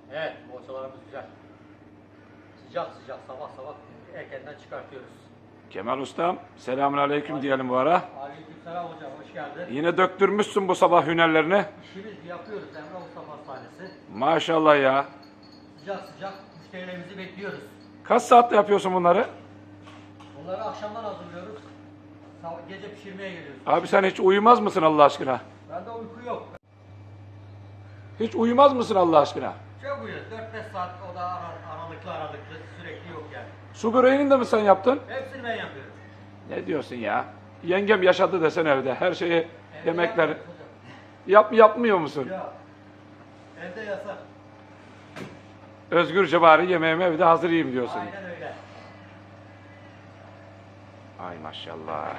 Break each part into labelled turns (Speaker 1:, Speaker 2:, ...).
Speaker 1: Evet, poğaçalarımız güzel. Sıcak sıcak sabah sabah erkenden çıkartıyoruz.
Speaker 2: Kemal Ustam, selamünaleyküm diyelim bu ara.
Speaker 1: Aleykümselam hocam, hoş geldin.
Speaker 2: Yine döktürmüşsün bu sabah hünerlerini.
Speaker 1: İşimiz yapıyoruz Emrah Usta Pastanesi.
Speaker 2: Maşallah ya.
Speaker 1: Sıcak sıcak müşterilerimizi bekliyoruz.
Speaker 2: Kaç saatte yapıyorsun bunları?
Speaker 1: Bunları akşamdan hazırlıyoruz. Gece pişirmeye geliyoruz.
Speaker 2: Abi sen hiç uyumaz mısın Allah aşkına?
Speaker 1: Bende uyku yok.
Speaker 2: Hiç uyumaz mısın Allah aşkına?
Speaker 1: Çok uyuyoruz. 4-5 saat o da aralıklı sürekli yok yani.
Speaker 2: Su böreğini de mi sen yaptın?
Speaker 1: Hepsini ben yapıyorum.
Speaker 2: Ne diyorsun ya? Yengem yaşadı desen evde. Her şeyi,
Speaker 1: Evde
Speaker 2: yemekleri.
Speaker 1: yapmıyoruz hocam.
Speaker 2: Yapmıyor musun?
Speaker 1: Ya. Evde yasak.
Speaker 2: Özgürce bari yemeğimi evde hazır yiyeyim diyorsun.
Speaker 1: Aynen öyle.
Speaker 2: Ay maşallah.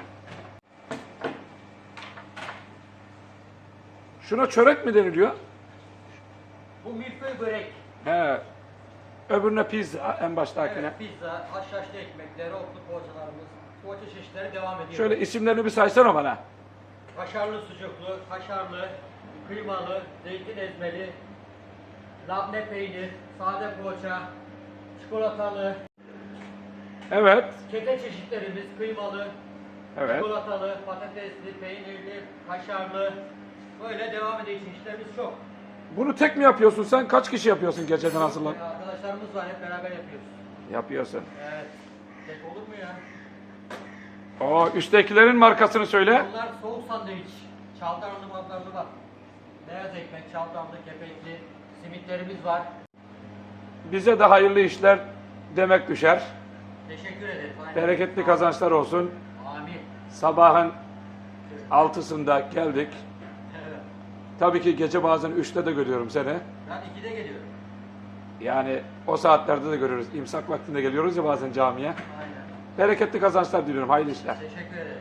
Speaker 2: Şuna çörek mi deniliyor?
Speaker 1: Bu milföy börek.
Speaker 2: He. Öbürüne pizza en baştakine.
Speaker 1: Evet, pizza, haşhaşlı ekmek, dereotlu poğaçalarımız, poğaça çeşitleri devam ediyor.
Speaker 2: Şöyle isimlerini bir saysana bana.
Speaker 1: Kaşarlı sucuklu, kaşarlı, kıymalı, zeytin ezmeli, labne peynir, sade poğaça, çikolatalı,
Speaker 2: Evet.
Speaker 1: kete çeşitlerimiz kıymalı,
Speaker 2: Evet.
Speaker 1: çikolatalı, patatesli, peynirli, kaşarlı, böyle devam ediyor çeşitlerimiz çok.
Speaker 2: Bunu tek mi yapıyorsun sen? Kaç kişi yapıyorsun geceden hazırlan?
Speaker 1: Arkadaşlarımız var, hep beraber yapıyoruz.
Speaker 2: Yapıyorsun.
Speaker 1: Evet, tek olur mu ya?
Speaker 2: O üsttekilerin markasını söyle.
Speaker 1: Bunlar soğuk sandviç, çavdarlı mavdarlı var. Beyaz ekmek, çavdarlı, kepekli, simitlerimiz var.
Speaker 2: Bize de hayırlı işler demek düşer.
Speaker 1: Teşekkür ederiz. Aynen.
Speaker 2: Bereketli kazançlar olsun.
Speaker 1: Amin.
Speaker 2: Sabahın 6'sında geldik.
Speaker 1: Evet.
Speaker 2: Tabii ki gece bazen 3'te de görüyorum seni.
Speaker 1: Ben 2'de geliyorum.
Speaker 2: Yani o saatlerde de görüyoruz. İmsak vaktinde geliyoruz ya bazen camiye.
Speaker 1: Aynen.
Speaker 2: Bereketli kazançlar diliyorum. Hayırlı işler.
Speaker 1: Teşekkür ederiz.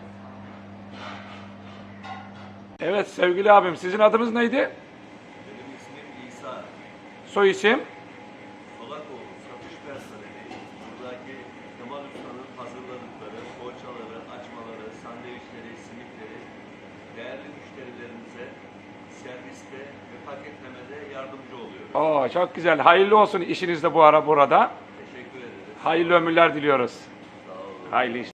Speaker 2: Evet sevgili abim sizin adınız neydi?
Speaker 3: Benim ismim İsa.
Speaker 2: Soy isim?
Speaker 3: Solakoğlu, satış personeli. Buradaki Kemal Usta'nın hazırladıkları poğaçaları, açmaları, sandviçleri, simitleri değerli müşterilerimize serviste ve paketlemede yardımcı oluyor.
Speaker 2: Oo çok güzel. Hayırlı olsun işiniz de bu ara burada.
Speaker 3: Teşekkür ederiz.
Speaker 2: Hayırlı ömürler diliyoruz.
Speaker 3: Sağ olun.
Speaker 2: Hayırlı işler.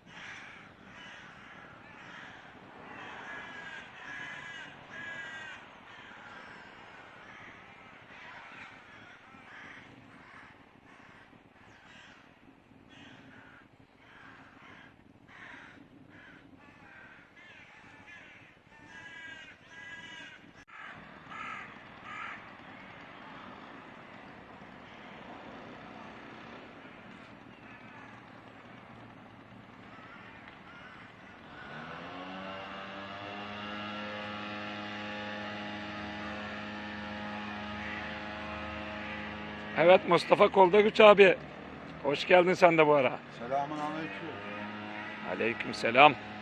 Speaker 2: Evet Mustafa Koldagüç abi. Hoş geldin sen de bu ara.
Speaker 4: Selamun aleyküm.
Speaker 2: Aleykümselam.